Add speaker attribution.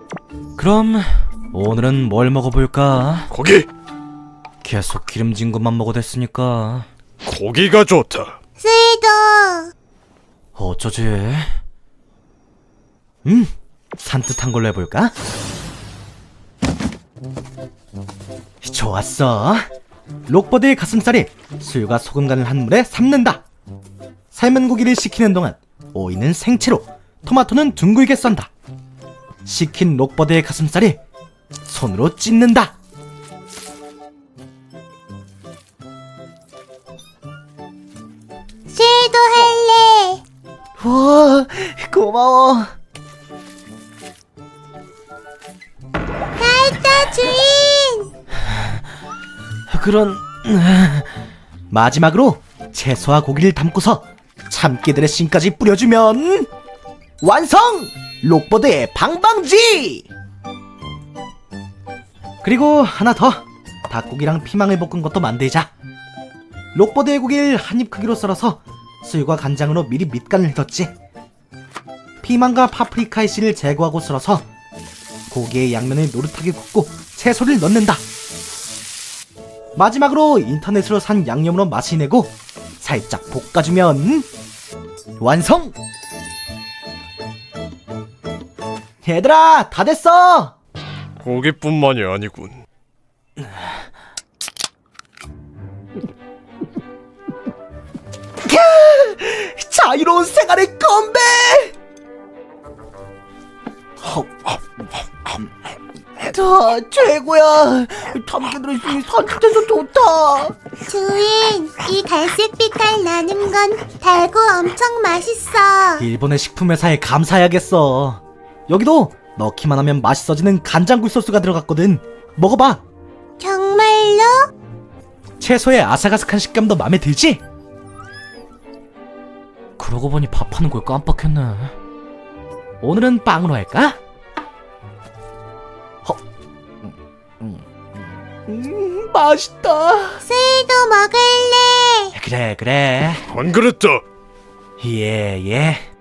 Speaker 1: 그럼 오늘은 뭘 먹어볼까?
Speaker 2: 고기!
Speaker 1: 계속 기름진 것만 먹어댔으니까
Speaker 2: 고기가 좋다.
Speaker 3: 스위도.
Speaker 1: 어쩌지? 산뜻한 걸로 해볼까? 좋았어. 록버드의 가슴살이 술과 소금 간을 한 물에 삶는다. 삶은 고기를 식히는 동안 오이는 생채로, 토마토는 둥글게 썬다. 식힌 록버드의 가슴살이 손으로 찢는다.
Speaker 3: 스위도 할래.
Speaker 1: 와, 고마워.
Speaker 3: 알다 주인.
Speaker 1: 그런 마지막으로 채소와 고기를 담고서 참깨 드레싱까지 뿌려주면 완성! 록버드의 방방지! 그리고 하나 더, 닭고기랑 피망을 볶은 것도 만들자. 록버드의 고기를 한입 크기로 썰어서 술과 간장으로 미리 밑간을 해뒀지. 피망과 파프리카의 씨를 제거하고 썰어서 고기의 양면을 노릇하게 굽고 채소를 넣는다. 마지막으로 인터넷으로 산 양념으로 맛을 내고 살짝 볶아주면 완성! 얘들아, 다 됐어!
Speaker 2: 고기뿐만이 아니군.
Speaker 1: 자유로운 생활의 건배! 다 최고야. 참깨 드레싱이 산뜻해서 좋다.
Speaker 3: 주인, 이 갈색빛 달 나는 건 달고 엄청 맛있어.
Speaker 1: 일본의 식품회사에 감사해야겠어. 여기도 넣기만 하면 맛있어지는 간장굴 소스가 들어갔거든. 먹어봐.
Speaker 3: 정말로?
Speaker 1: 채소의 아삭아삭한 식감도 마음에 들지? 그러고 보니 밥하는 걸 깜빡했네. 오늘은 빵으로 할까? 맛있다.
Speaker 3: 스위도 먹을래.
Speaker 1: 그래.
Speaker 2: 안 그랬다.
Speaker 1: 예.